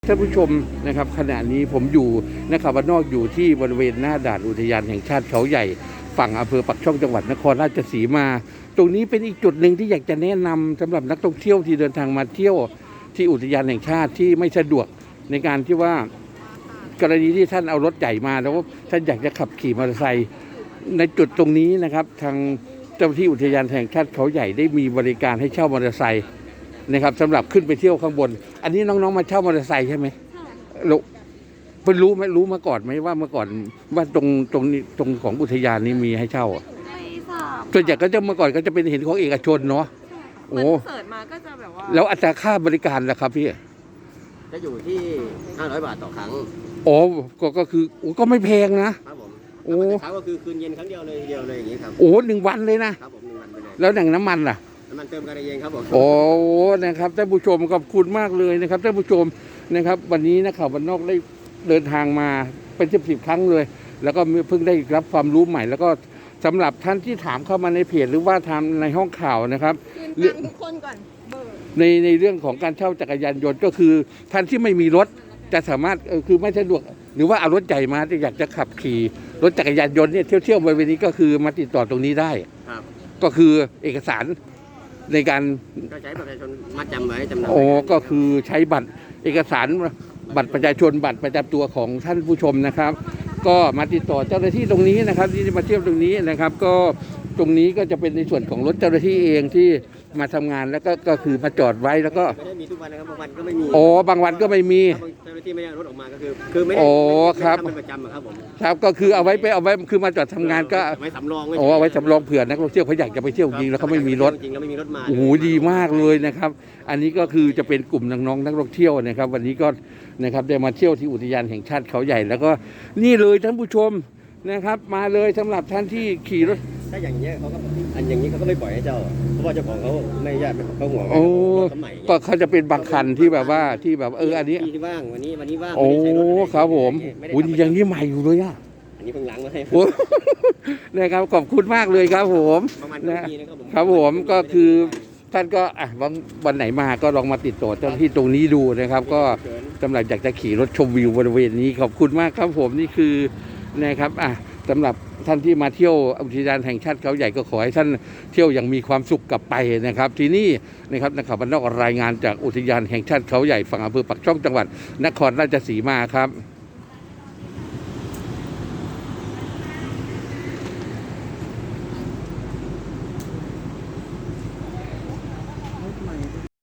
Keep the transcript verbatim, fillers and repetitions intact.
ท่านผู้ชมนะครับขณะนี้ผมอยู่นะครับบ้านนอกอยู่ที่บริเวณหน้าด่านอุทยานแห่งชาติเขาใหญ่ฝั่งอำเภอปักช่องจังหวัดนครราชสีมาตรงนี้เป็นอีกจุดหนึ่งที่อยากจะแนะนำสำหรับนักท่องเที่ยวที่เดินทางมาเที่ยวที่อุทยานแห่งชาติที่ไม่สะดวกในการที่ว่ากรณีที่ท่านเอารถใหญ่มาแล้วท่านอยากจะขับขี่มอเตอร์ไซค์ในจุดตรงนี้นะครับทางเจ้าหน้าที่อุทยานแห่งชาติเขาใหญ่ได้มีบริการให้เช่ามอเตอร์ไซค์นะครับสำหรับขึ้นไปเที่ยวข้างบนอันนี้น้องๆมาเช่ามอเตอร์ไซค์ใช่ไหมเราเพิ่งรู้ไหมรู้มาก่อนไหมว่าเมื่อก่อนว่าตรงตรงนี้ตรงของอุทยานนี้มีให้เช่าไม่ทราบส่วนใหญ่ก็จะเมื่อก่อนก็จะเป็นเห็นของเอกชนเนาะโอ้เสิร์ชมาก็จะแบบว่าแล้วอัตราค่าบริการล่ะครับพี่จะอยู่ที่ห้าร้อยบาทต่อครั้งโอ้ก็ก็คือก็ไม่แพงนะครับผมโอ้ครั้งก็คือคืนเย็นครั้งเดียวเลยเดียวเลยอย่างนี้ครับโอ้หนึ่งวันเลยนะครับผมหนึ่งวันไปเลยแล้วอย่างน้ำมันล่ะน้ำมันเติมกันเองครับผมโอ้นะครับท่านผู้ชมขอบคุณมากเลยนะครับท่านผู้ชมนะครับวันนี้นักข่าวบ้านนอกได้เดินทางมาเป็นสิบสิบครั้งเลยแล้วก็เพิ่งได้รับความรู้ใหม่แล้วก็สำหรับท่านที่ถามเข้ามาในเพจหรือว่าทำในห้องข่าวนะครับคืนตังทุกคนก่อนเบอร์ในในเรื่องของการเช่าจักรยานยนต์ก็คือท่านที่ไม่มีรถจะสามารถเออคือไม่สะดวกหรือว่าเอารถใหญ่มาที่อยากจะขับขี่รถจักรยานยนต์เนี่ยเที่ยวเที่ยวบริเวณนี้ก็คือมาติดต่อตรงนี้ได้ครับก็คือเอกสารในการก็ใช้บัตรประชาชนมัดจำไว้จำนำโอ้ก็คือใช้บัตรเอกสารบัตรประชาชนบัตรประจำตัวของท่านผู้ชมนะครับก็มาติดต่อเจ้าหน้าที่ตรงนี้นะครับที่มาเที่ยวตรงนี้นะครับก็ตรงนี้ก็จะเป็นในส่วนของรถเจ้าหน้าที่เองที่มาทำงานแล้วก็ก็คือมาจอดไว้แล้วก็ไม่ได้มีทุกวันนะครับบางวันก็ไม่มีโอ้บางวันก็ไม่มีเจ้าหน้าที่ไม่ได้รถออกมาก็คือคือไม่ได้โอ้ครับทำเป็นประจำครับผมครับก็คือเอาไว้ไปเอาไว้คือมาจอดทำงานก็ไว้สำรองโอ้ไว้สำรองเผื่อนักท่องเที่ยวเขาอยากจะไปเที่ยวจริงแล้วเขาไม่มีรถจริงแล้วไม่มีรถมาโอ้โหดีมากเลยนะครับอันนี้ก็คือจะเป็นกลุ่มน้องๆนักท่องเที่ยวนะครับวันนี้ก็นะครับได้มาเที่ยวที่อุทยานแห่งชาติเขาใหญ่แล้วก็นี่เลยท่านผู้ชมนะครับมาเลยสำหรับท่านที่ขี่รถถ้าอย่างเงี้ยเขาก็อันอย่างนี้เขาก็ไม่ปล่อยให้เจ้าเพราะว่าเจ้าของเขาไม่ญาติเขาห่วงโอ้ก็เขาจะเป็นบางคันที่แบบว่าที่แบบเอออันนี้ที่ว่างวันนี้วันนี้ว่างโอ้ครับผมอุ้ยอย่างนี้ใหม่อยู่เลยอ่ะอันนี้เพิ่งล้างมาให้นะครับขอบคุณมากเลยครับผมนะครับผมก็คือท่านก็อ่ะวันวันไหนมาก็ลองมาติดต่อเจ้าหน้าที่ตรงนี้ดูนะครับก็สำหรับอยากจะขี่รถชมวิวบริเวณนี้ขอบคุณมากครับผมนี่คือนะครับอ่ะสำหรับท่านที่มาเที่ยวอุทยานแห่งชาติเขาใหญ่ก็ขอให้ท่านเที่ยวอย่างมีความสุขกลับไปนะครับที่นี่นะครับนักข่าวบ้านนอกรายงานจากอุทยานแห่งชาติเขาใหญ่ฝั่งอำเภอปักช่องจังหวัดนครราชสีมาครับ